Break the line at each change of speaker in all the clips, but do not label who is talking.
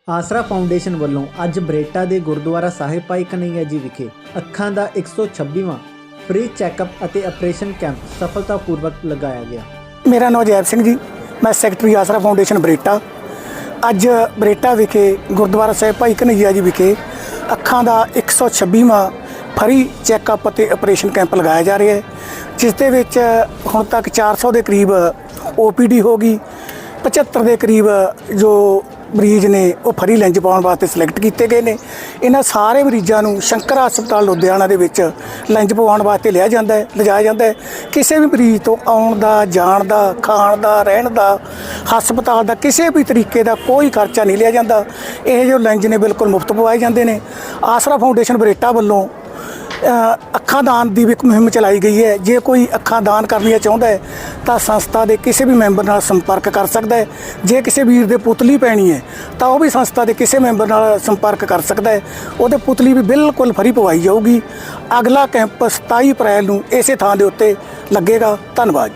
ਆਸਰਾ ਫਾਊਂਡੇਸ਼ਨ ਵੱਲੋਂ ਅੱਜ ਬਰੇਟਾ ਦੇ ਗੁਰਦੁਆਰਾ ਸਾਹਿਬ ਭਾਈ ਕਨ੍ਹਈਆ ਜੀ ਵਿਖੇ ਅੱਖਾਂ ਦਾ 126ਵਾਂ ਫ੍ਰੀ ਚੈੱਕਅਪ ਅਤੇ ਆਪਰੇਸ਼ਨ ਕੈਂਪ ਸਫਲਤਾਪੂਰਵਕ ਲਗਾਇਆ ਗਿਆ।
ਮੇਰਾ ਨਾਮ ਜੈਬ ਸਿੰਘ ਜੀ, ਮੈਂ ਸੈਕਟਰੀ ਆਸਰਾ ਫਾਊਂਡੇਸ਼ਨ ਬਰੇਟਾ। ਅੱਜ ਬਰੇਟਾ ਵਿਖੇ ਗੁਰਦੁਆਰਾ ਸਾਹਿਬ ਭਾਈ ਕਨ੍ਹਈਆ ਜੀ ਵਿਖੇ ਅੱਖਾਂ ਦਾ 126ਵਾਂ ਫ੍ਰੀ ਚੈੱਕਅਪ ਅਤੇ ਆਪਰੇਸ਼ਨ ਕੈਂਪ ਲਗਾਇਆ ਜਾ ਰਿਹਾ ਹੈ, ਜਿਸ ਦੇ ਵਿੱਚ ਹੁਣ ਤੱਕ 400 ਦੇ ਕਰੀਬ OPD ਹੋ ਗਈ। 75 ਦੇ ਕਰੀਬ ਜੋ ਮਰੀਜ਼ ਨੇ ਉਹ ਫਰੀ ਲੈਂਜ ਪਾਉਣ ਵਾਸਤੇ ਸਿਲੈਕਟ ਕੀਤੇ ਗਏ ਨੇ। ਇਹਨਾਂ ਸਾਰੇ ਮਰੀਜ਼ਾਂ ਨੂੰ ਸ਼ੰਕਰ ਹਸਪਤਾਲ ਲੁਧਿਆਣਾ ਦੇ ਵਿੱਚ ਲੈਂਜ ਪਵਾਉਣ ਵਾਸਤੇ ਲਿਜਾਇਆ ਜਾਂਦਾ ਹੈ। ਕਿਸੇ ਵੀ ਮਰੀਜ਼ ਤੋਂ ਆਉਣ ਦਾ, ਜਾਣ ਦਾ, ਖਾਣ ਦਾ, ਰਹਿਣ ਦਾ, ਹਸਪਤਾਲ ਦਾ ਕਿਸੇ ਵੀ ਤਰੀਕੇ ਦਾ ਕੋਈ ਖਰਚਾ ਨਹੀਂ ਲਿਆ ਜਾਂਦਾ। ਇਹ ਜੋ ਲੈਂਜ ਨੇ ਬਿਲਕੁਲ ਮੁਫਤ ਪਵਾਏ ਜਾਂਦੇ ਨੇ। ਆਸਰਾ ਫਾਊਂਡੇਸ਼ਨ ਬਰੇਟਾ ਵੱਲੋਂ ਅੱਖਾਂ ਦਾਨ ਦੀ ਵੀ ਇੱਕ ਮੁਹਿੰਮ ਚਲਾਈ ਗਈ ਹੈ। ਜੇ ਕੋਈ ਅੱਖਾਂ ਦਾਨ ਕਰਨੀਆਂ ਚਾਹੁੰਦਾ ਹੈ ਤਾਂ ਸੰਸਥਾ ਦੇ ਕਿਸੇ ਵੀ ਮੈਂਬਰ ਨਾਲ ਸੰਪਰਕ ਕਰ ਸਕਦਾ ਹੈ। ਜੇ ਕਿਸੇ ਵੀਰ ਦੇ ਪੁਤਲੀ ਪੈਣੀ ਹੈ ਤਾਂ ਉਹ ਵੀ ਸੰਸਥਾ ਦੇ ਕਿਸੇ ਮੈਂਬਰ ਨਾਲ ਸੰਪਰਕ ਕਰ ਸਕਦਾ ਹੈ। ਉਹਦੇ ਪੁਤਲੀ ਵੀ ਬਿਲਕੁਲ ਫਰੀ ਪਵਾਈ ਜਾਊਗੀ। ਅਗਲਾ ਕੈਂਪ 27 ਅਪ੍ਰੈਲ ਨੂੰ ਇਸੇ ਥਾਂ ਦੇ ਉੱਤੇ ਲੱਗੇਗਾ। ਧੰਨਵਾਦ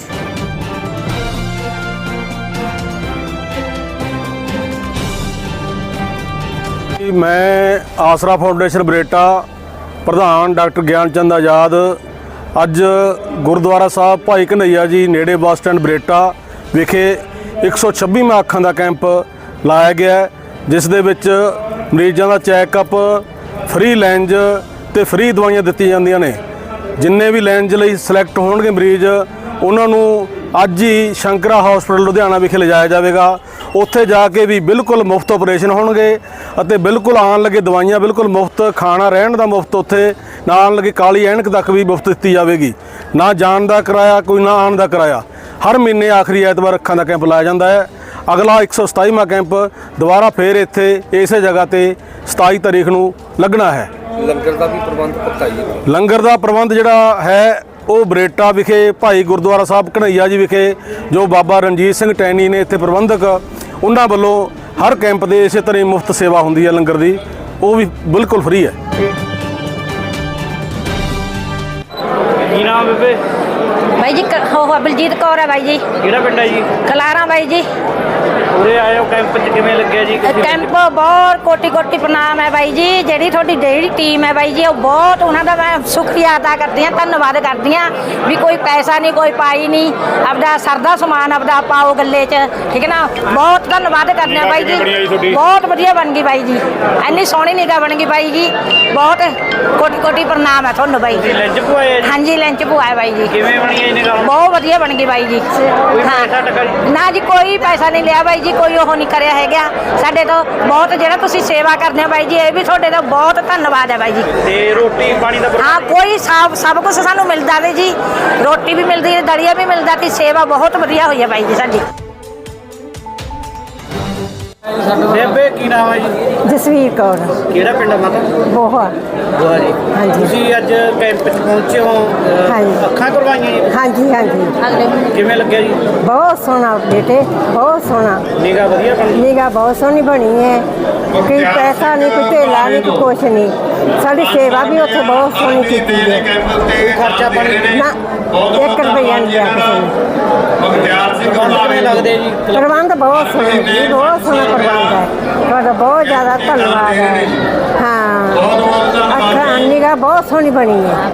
ਜੀ।
मैं आसरा फाउंडेशन बरेटा प्रधान डॉक्टर ज्ञानचंद आज़ाद अज गुरुद्वारा साहब भाई कन्हैया जी नेड़े बस स्टैंड बरेटा विखे 126वां अखां दा कैंप लाया गया है, जिस दे विच मरीज़ां दा चैकअप, फ्री लैंज ते फ्री दवाइयां दित्ती जांदियां ने। जिन्ने भी लैंज लई सिलैक्ट होणगे मरीज़ उन्हां नूं अज ही शंकरा हॉस्पिटल लुधियाना विखे लिजाया जाएगा। उत्थे जाके भी बिल्कुल मुफ्त ऑपरेशन होणगे ਅਤੇ बिल्कुल आन लगे दवाइयां बिल्कुल मुफ्त, खाना रहन का मुफ्त, उत्थे ना आन लगे काली ऐनक तक भी मुफ्त दी जाएगी। ना जान का किराया कोई, ना आन का किराया। हर महीने आखिरी ऐतवार अखां का कैंप लाया जाता है। अगला 127वां कैंप दोबारा फिर इत्थे इस जगह ते 27 तारीख नूं लगना है।
लंगर का भी प्रबंध पक्का ही है।
लंगर का प्रबंध जिहड़ा है वो बरेटा विखे भाई गुरुद्वारा साहब कन्हैया जी विखे जो बाबा रणजीत सिंह टैनी ने इत्थे प्रबंधक, उन्हां वल्लों हर कैंप दे इस तरह मुफ्त सेवा होंदी है लंगर दी, वो भी बिल्कुल फ्री है।
की नाम बेबे?
भाई जी बलजीत कौर है भाई जी।
किहड़ा पिंड है जी?
खलारा भाई जी।
उरे आए हो कैंप च किवें लग्गिया जी?
कैंप बहुत कोटि कोटि प्रणाम है भाई जी। ਜਿਹੜੀ ਤੁਹਾਡੀ ਜਿਹੜੀ ਟੀਮ ਹੈ ਬਾਈ ਜੀ, ਉਹ ਬਹੁਤ ਉਹਨਾਂ ਦਾ ਮੈਂ ਸ਼ੁਕਰੀਆ ਅਦਾ ਕਰਦੀ ਹਾਂ, ਧੰਨਵਾਦ ਕਰਦੀ ਹਾਂ ਵੀ ਕੋਈ ਪੈਸਾ ਨਹੀਂ, ਕੋਈ ਪਾਈ ਨਹੀਂ, ਆਪਦਾ ਸਰਦਾ ਸਮਾਨ ਆਪਦਾ ਪਾਓ ਗੱਲੇ 'ਚ, ਠੀਕ ਹੈ ਨਾ। ਬਹੁਤ ਧੰਨਵਾਦ ਕਰਦੇ ਹਾਂ ਬਾਈ ਜੀ। ਬਹੁਤ ਵਧੀਆ ਬਣ ਗਈ ਬਾਈ ਜੀ, ਇੰਨੀ ਸੋਹਣੀ ਨਿਗਾਹ ਬਣ ਗਈ ਬਾਈ ਜੀ। ਬਹੁਤ ਕੋਟि ਕੋਟि ਪ੍ਰਣਾਮ ਹੈ ਤੁਹਾਨੂੰ ਬਾਈ ਜੀ।
ਲੰਚ ਪਵਾਇਆ ਜੀ?
ਹਾਂਜੀ ਲੰਚ ਪਵਾਇਆ ਬਾਈ ਜੀ।
ਕਿਵੇਂ ਬਣੀ ਹੈ ਨਿਗਾਹ?
ਬਹੁਤ ਵਧੀਆ ਬਣ ਗਈ ਬਾਈ ਜੀ। ਨਾ ਜੀ ਕੋਈ ਪੈਸਾ ਨਹੀਂ ਲਿਆ ਬਾਈ ਜੀ, ਕੋਈ ਉਹ ਨਹੀਂ ਕਰਿਆ ਹੈਗਾ ਸਾਡੇ ਤੋਂ। ਬਹੁਤ ਜਿਹੜਾ ਤੁਸੀਂ ਸੇਵਾ ਕਰਦੇ ਹੋ ਬਾਈ ਜੀ, ਇਹ ਵੀ ਤੁਹਾਡੇ ਦਾ ਬਹੁਤ ਧੰਨਵਾਦ ਹੈ ਬਾਈ ਜੀ।
ਤੇ ਰੋਟੀ ਪਾਣੀ ਦਾ
ਹਾਂ ਕੋਈ ਸਭ ਕੁਝ ਸਾਨੂੰ ਮਿਲਦਾ ਵੇ ਜੀ। ਰੋਟੀ ਵੀ ਮਿਲਦੀ ਹੈ, ਦਲੀਆ ਵੀ ਮਿਲਦਾ ਤੇ ਸੇਵਾ ਬਹੁਤ ਵਧੀਆ ਹੋਈ ਹੈ ਬਾਈ ਜੀ ਸਾਡੀ।
ਬੇਬੇ ਕੀ ਨਾਮ ਹੈ ਜੀ?
ਜਸਵੀਰ ਕੌਰ।
ਕਿਹੜਾ ਪਿੰਡ ਹੈ ਮਾਤਾ?
ਬੋਹਾ।
ਬੋਹਾ ਜੀ।
ਹਾਂਜੀ।
ਤੁਸੀਂ ਅੱਜ ਕੈਂਪ 'ਚ ਪਹੁੰਚੇ ਹੋ,
ਹਾਂਜੀ।
ਅੱਖਾਂ ਕਰਵਾਈਆਂ ਜੀ?
ਹਾਂਜੀ ਹਾਂਜੀ।
ਕਿਵੇਂ ਲੱਗਿਆ ਜੀ?
ਬਹੁਤ ਸੋਹਣਾ ਬੇਟੇ, ਬਹੁਤ ਸੋਹਣਾ।
ਨਿਗਾਹ ਵਧੀਆ ਬਣੀ?
ਨਿਗਾਹ ਬਹੁਤ ਸੋਹਣੀ ਬਣੀ ਹੈ। ਕੋਈ ਪੈਸਾ ਨਹੀਂ, ਕੋਈ ਢੇਲਾ ਨਹੀਂ, ਕੋਈ ਕੁਛ ਨਹੀਂ। ਸਾਡੀ ਸੇਵਾ ਵੀ ਉੱਥੇ ਬਹੁਤ ਸੋਹਣੀ ਕੀਤੀ ਹੈ।
ਕੋਈ ਖਰਚਾ ਪਾਣੀ
ਨਾ 1 ਰੁਪਈਆ ਨਹੀਂ ਲਿਆ ਕਿਸੇ ਨੇ।
ਪ੍ਰਬੰਧ ਕਿਵੇਂ ਲੱਗਦੇ ਜੀ?
ਪ੍ਰਬੰਧ ਬਹੁਤ ਸੋਹਣਾ ਜੀ, ਬਹੁਤ ਸੋਹਣਾ ਪ੍ਰਬੰਧ ਹੈ। ਤੁਹਾਡਾ ਬਹੁਤ ਜ਼ਿਆਦਾ ਧੰਨਵਾਦ ਹੈ। ਹਾਂ, ਅੱਖਾਂ ਨਿਗਾਹ ਬਹੁਤ ਸੋਹਣੀ ਬਣੀ ਹੈ।